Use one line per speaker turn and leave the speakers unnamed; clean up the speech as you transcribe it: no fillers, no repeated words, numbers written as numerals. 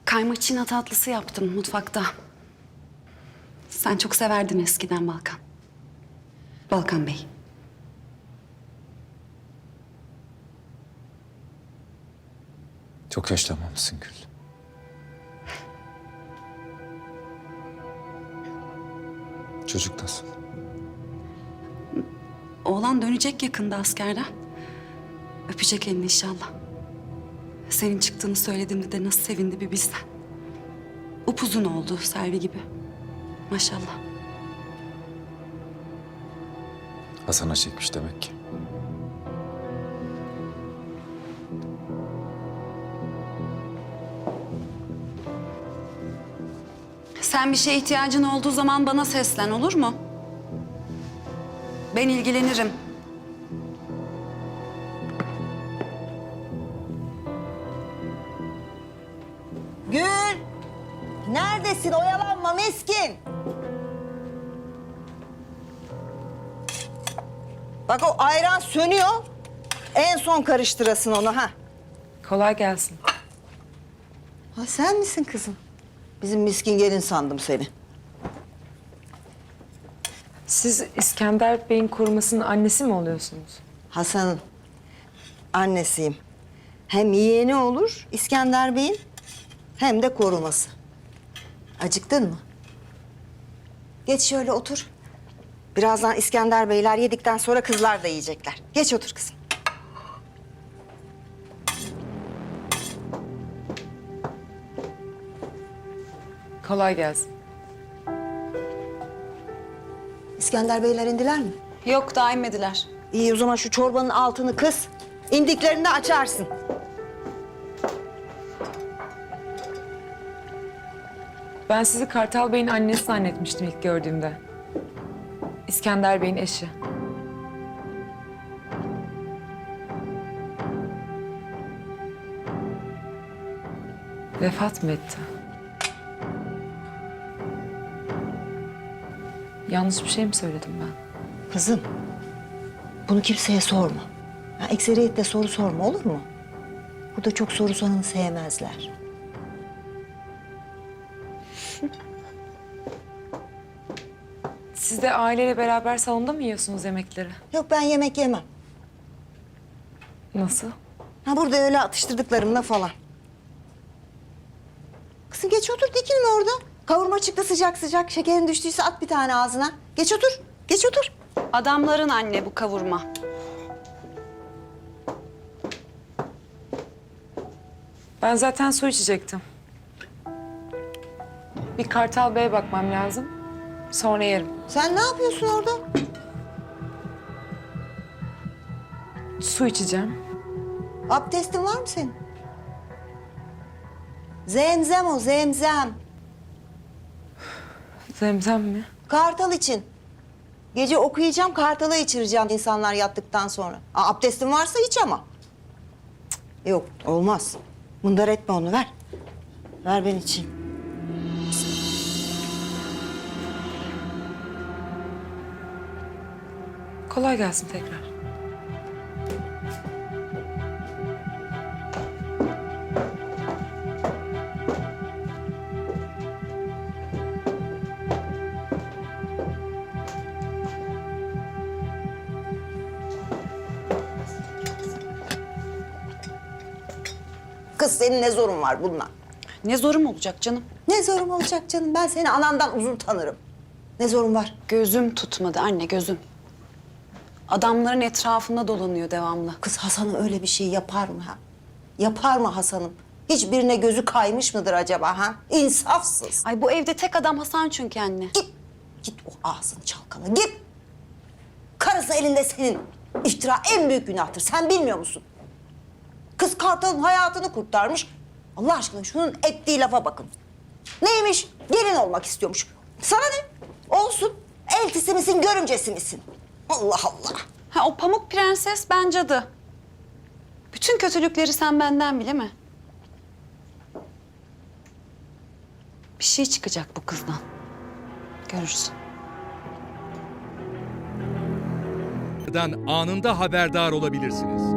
Kaymaçina tatlısı yaptım mutfakta. Sen çok severdin eskiden Balkan. Balkan Bey.
Çok yaşlanmamışsın Gül. Çocuk nasıl?
Oğlan dönecek yakında askerden. Öpecek elini inşallah. Senin çıktığını söylediğimde de nasıl sevindi bir bilsen. Upuzun oldu Selvi gibi. Maşallah.
Hasan'a çekmiş demek ki.
Sen bir şeye ihtiyacın olduğu zaman bana seslen, olur mu? Ben ilgilenirim.
Gül! Neredesin? Oyalanma miskin. Bak o ayran sönüyor. En son karıştırasın onu ha.
Kolay gelsin.
Ha sen misin kızım? Bizim miskin gelin sandım seni.
Siz İskender Bey'in korumasının annesi mi oluyorsunuz?
Hasan'ın annesiyim. Hem yeğeni olur İskender Bey'in hem de koruması. Acıktın mı? Geç şöyle otur. Birazdan İskender Beyler yedikten sonra kızlar da yiyecekler. Geç otur kızım.
Kolay gelsin.
İskender Beyler indiler mi?
Yok, daha inmediler.
İyi o zaman şu çorbanın altını kıs. İndiklerinde açarsın.
Ben sizi Kartal Bey'in annesi zannetmiştim ilk gördüğümde. İskender Bey'in eşi. Vefat mı etti? Yanlış bir şey mi söyledim ben?
Kızım, bunu kimseye sorma. Ya, ekseriyetle soru sorma olur mu? Burada çok soru soranı sevmezler.
Siz de aileyle beraber salonda mı yiyorsunuz yemekleri?
Yok ben yemek yemem.
Nasıl?
Ha burada öyle atıştırdıklarımla falan. Kızım geç otur dikilme orada. Kavurma çıktı sıcak sıcak. Şekerin düştüyse at bir tane ağzına. Geç otur. Geç otur.
Adamların anne bu kavurma.
Ben zaten su içecektim. Bir Kartal Bey'e bakmam lazım. Sonra yerim.
Sen ne yapıyorsun orada?
Su içeceğim.
Abdestin var mı senin? Zemzem o zemzem.
Zemzem mi?
Kartal için. Gece okuyacağım, kartalı içireceğim insanlar yattıktan sonra. Abdestin varsa iç ama. Cık, yok, olmaz. Mındar etme onu, ver. Ver ben içeyim.
Kolay gelsin tekrar.
Kız senin ne zorun var bununla?
Ne zorum olacak canım?
Ne zorum olacak canım? Ben seni anandan uzun tanırım. Ne zorun var?
Gözüm tutmadı anne, gözüm. Adamların etrafında dolanıyor devamlı.
Kız Hasan'ım öyle bir şey yapar mı ha? Yapar mı Hasan'ım? Hiçbirine gözü kaymış mıdır acaba ha? İnsafsız.
Ay bu evde tek adam Hasan çünkü anne.
Git. Git o ağzını çalkala. Git. Karısı elinde senin. İftira en büyük günahtır. Sen bilmiyor musun? Kız Kartal'ın hayatını kurtarmış. Allah aşkına şunun ettiği lafa bakın. Neymiş? Gelin olmak istiyormuş. Sana ne? Olsun. Eltisi misin, görümcesi misin? Allah Allah.
Ha o Pamuk Prenses ben cadı. Bütün kötülükleri sen benden bile mi? Bir şey çıkacak bu kızdan. Görürsün.
Anında haberdar olabilirsiniz.